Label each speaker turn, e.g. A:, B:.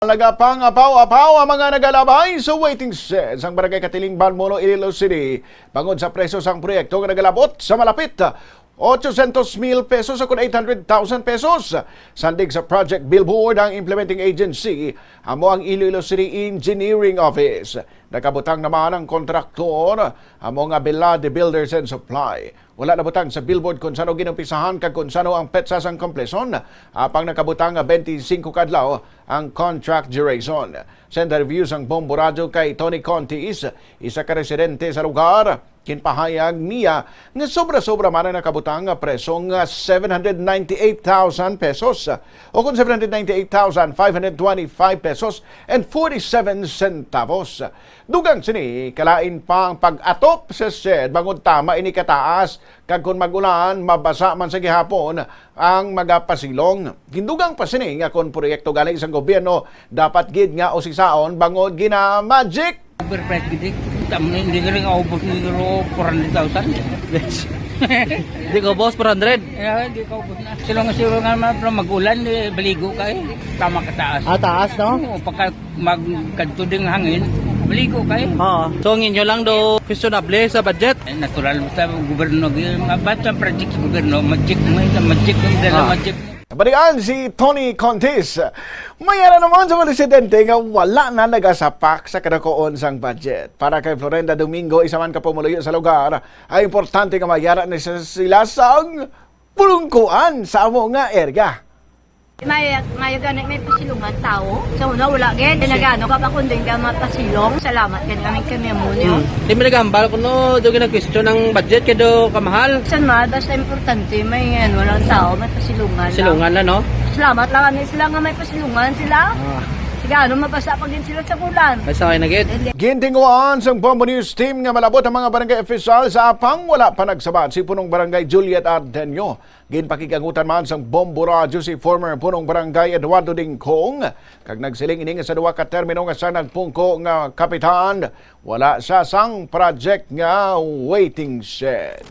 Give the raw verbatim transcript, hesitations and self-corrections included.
A: Nagapang apaw-apaw ang mga nagalabay sa waiting shed sang Barangay Katiling, Balmolo, Iloilo City. Bangod sa presyo sang proyekto nga nagalabot sa malapit eight hundred mil pesos o eight hundred thousand pesos. Sandig sa project billboard ang implementing agency amo ang Iloilo City Engineering Office. Nakabutang naman ang kontraktor amo nga Bilad Builders and Supply. Wala na butang sa billboard kung sano ginumpisahan kag kung sano ang petsa sang kompleson. Apang nakabutang nga twenty-five kadlaw ang contract duration. Sa interview sang Bombo Radio kay Tony Contis, isa ka residente sa lugar, kinpahayag niya nga sobra-sobra man ang nakabutang nga preso nga seven hundred ninety-eight thousand pesos o kung seven hundred ninety-eight thousand five hundred twenty-five pesos and forty-seven centavos. Dugang sini kalain pa ang pag-atop sa shed bangod tama ini kataas kag kung magulan mabasa man sa gihapon ang magapasilong. Hindugang pa sini nga kung proyekto galing isang gobyerno dapat gid nga usisaon bangod gina magic.
B: Overprice gid. Tamo hindi ka rin aubos ni four hundred thousand.
C: Hindi ko boss, four hundred.
B: Eh, hindi ka aubos na. Sila nga sila nga naman pero magulan, eh, baligo ka eh. Tama ka taas.
C: Ah, taas, no?
B: Oo, pagka magkadto ding hangin, baligo ka eh.
C: Oo. So, ang inyo lang do questionable sa budget.
B: Eh, natural sa gobyerno, mga bata project sa gobyerno, magic mo, magic mo, dala
C: Ah.
B: magic mo.
A: Balikan si Tony Contis. Mayara naman sa mga residente nga wala na nagasapak sa kadakoon sang budget. Para kay Florenda Domingo, isa man ka pumuluyo sa lugar, ay importante nga mayara na sila sang pulungkuan sa amo nga area.
D: May may ganit may pasilungan tao. Sa una wala gid nagano ka pa kunding ka mapasilong. Salamat gid kami kami mo niyo.
C: Di mo nagambal ko no, do gina-question ang budget kay do kamahal.
D: San ma basta importante may yan walang tao may pasilungan.
C: Silungan na, no?
D: Salamat lang kami sila nga may pasilungan sila.
C: Ah,
D: Sigano mabasa pa din sila sa kulan.
C: ay sakay na gid.
A: Gintinguan sang Bombo News team nga malabot ang mga barangay official sa apang wala pa nagsabat si punong barangay Juliet Ardenio. Ginpakigangutan man sang Bombo Radio si former punong barangay Eduardo Dingkong. Kag nagsiling ini nga sa duwa ka termino nga sa nagpungko nga kapitan, wala sa sang project nga waiting shed.